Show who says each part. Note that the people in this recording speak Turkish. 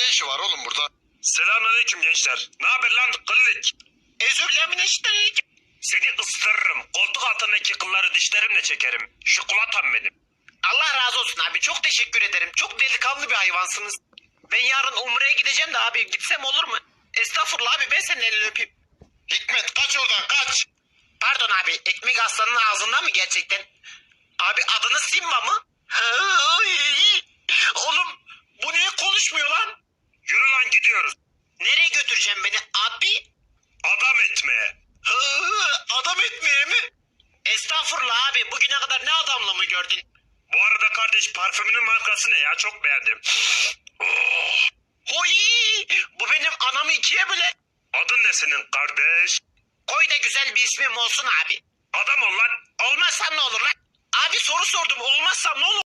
Speaker 1: işi var oğlum burada?
Speaker 2: Selamünaleyküm gençler. Ne haber lan kıllık?
Speaker 1: Ezürlemineşten.
Speaker 2: Seni ısırırım. Koltuk altındaki kılları dişlerimle çekerim. Şokolatam benim.
Speaker 1: Allah razı olsun abi, çok teşekkür ederim. Çok delikanlı bir hayvansınız. Ben yarın Umre'ye gideceğim de abi, gitsem olur mu? Estağfurullah abi, ben senin elini öpeyim. Hikmet kaç oradan kaç. Pardon abi, ekmek aslanın ağzından mı gerçekten? Abi adını Simba mı? Oğlum bu niye konuşmuyor lan?
Speaker 2: Yürü lan gidiyoruz.
Speaker 1: Nereye götüreceğim beni abi?
Speaker 2: Adam etmeye.
Speaker 1: Adam etmeye mi? Estağfurullah abi, bugüne kadar ne adamla mı gördün?
Speaker 2: Bu arada kardeş parfümünün markası ne ya? Çok beğendim.
Speaker 1: Hoy! Bu benim anamı ikiye böler.
Speaker 2: Adın ne senin kardeş?
Speaker 1: Koy da güzel bir ismim olsun abi.
Speaker 2: Adam ol lan.
Speaker 1: Olmazsam ne olur lan? Abi soru sordum, olmazsam ne olur?